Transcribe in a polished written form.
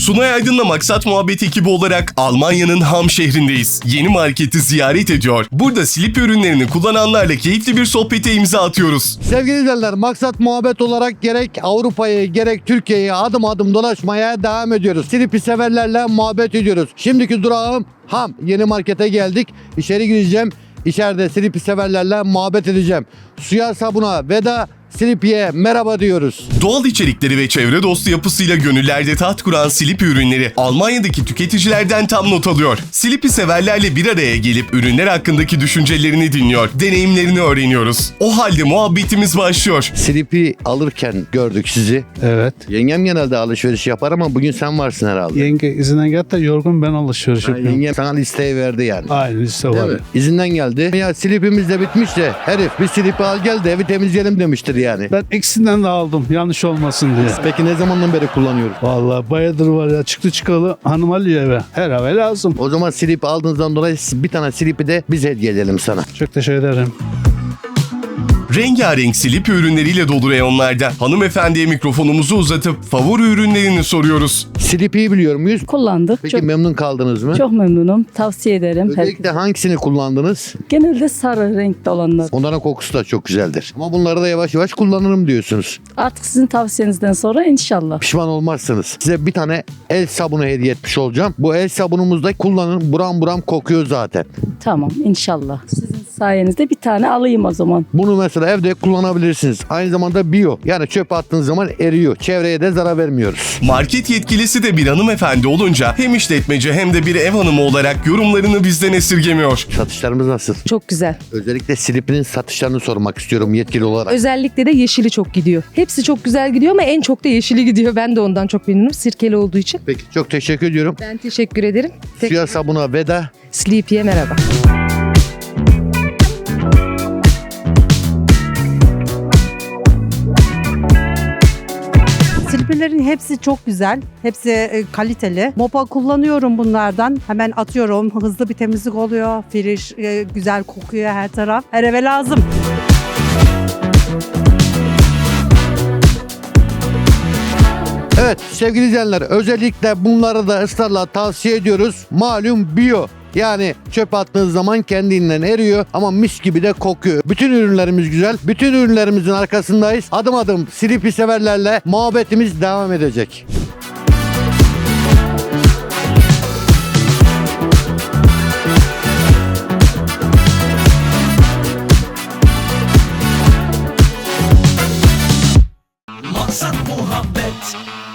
Sunay Aydın'la Maksat Muhabbet ekibi olarak Almanya'nın Ham şehrindeyiz. Yeni marketi ziyaret ediyor. Burada Sleepy ürünlerini kullananlarla keyifli bir sohbete imza atıyoruz. Sevgili izleyenler, Maksat Muhabbet olarak gerek Avrupa'yı gerek Türkiye'yi adım adım dolaşmaya devam ediyoruz. Sleepy severlerle muhabbet ediyoruz. Şimdiki durağım Ham. Yeni markete geldik. İçeri gireceğim. İçeride Sleepy severlerle muhabbet edeceğim. Suya sabuna veda, Sleepy'ye merhaba diyoruz. Doğal içerikleri ve çevre dostu yapısıyla gönüllerde taht kuran Sleepy ürünleri Almanya'daki tüketicilerden tam not alıyor. Sleepy severlerle bir araya gelip ürünler hakkındaki düşüncelerini dinliyor, deneyimlerini öğreniyoruz. O halde muhabbetimiz başlıyor. Sleepy alırken gördük sizi. Evet. Yengem genelde alışveriş yapar ama bugün sen varsın herhalde. Yenge izinden geldi de yorgun, ben alışveriş yapıyorum. Yengem sana listeyi verdi yani. Aynı liste Değil var. mi? İzinden geldi. Ya Sleepy'miz de bitmiş de herif bir Sleepy al gel de evi temizleyelim demiştir yani. Ben ikisinden de aldım yanlış olmasın diye. Peki ne zamandan beri kullanıyoruz? Vallahi bayağıdır var ya, çıktı çıkalı hanım alıyor eve. Her eve lazım. O zaman Sleepy aldığınızdan dolayı bir tane Sleepy de biz hediye edelim sana. Çok teşekkür ederim. Rengarenk Sleepy ürünleriyle dolu reyonlarda hanımefendiye mikrofonumuzu uzatıp favori ürünlerini soruyoruz. Sleepy'yi biliyor muyuz? Kullandık. Peki memnun kaldınız mı? Çok memnunum. Tavsiye ederim. Özellikle hangisini kullandınız? Genelde sarı renkte olanlar. Onların kokusu da çok güzeldir. Ama bunları da yavaş yavaş kullanırım diyorsunuz. Artık sizin tavsiyenizden sonra inşallah. Pişman olmazsınız. Size bir tane el sabunu hediye etmiş olacağım. Bu el sabunumuzda kullanın. Buram buram kokuyor zaten. Tamam inşallah. Sizin sayenizde bir tane alayım o zaman. Bunu mesela evde kullanabilirsiniz. Aynı zamanda biyo. Yani çöpe attığınız zaman eriyor. Çevreye de zarar vermiyoruz. Market yetkilisi de bir hanımefendi olunca hem işletmeci hem de bir ev hanımı olarak yorumlarını bizden esirgemiyor. Satışlarımız nasıl? Çok güzel. Özellikle Sleepy'nin satışlarını sormak istiyorum yetkili olarak. Özellikle de yeşili çok gidiyor. Hepsi çok güzel gidiyor ama en çok da yeşili gidiyor. Ben de ondan çok memnunum. Sirkeli olduğu için. Peki çok teşekkür ediyorum. Ben teşekkür ederim. Suya sabuna veda. Sleepy'ye merhaba. Sleepy'lerin hepsi çok güzel. Hepsi kaliteli. Mopa kullanıyorum bunlardan. Hemen atıyorum. Hızlı bir temizlik oluyor. Fresh, güzel kokuyor her taraf. Her eve lazım. Evet sevgili izleyenler, özellikle bunları da ısrarla tavsiye ediyoruz. Malum biyo. Yani çöp attığınız zaman kendinden eriyor ama mis gibi de kokuyor. Bütün ürünlerimiz güzel. Bütün ürünlerimizin arkasındayız. Adım adım Sleepy severlerle muhabbetimiz devam edecek. Maksat muhabbet.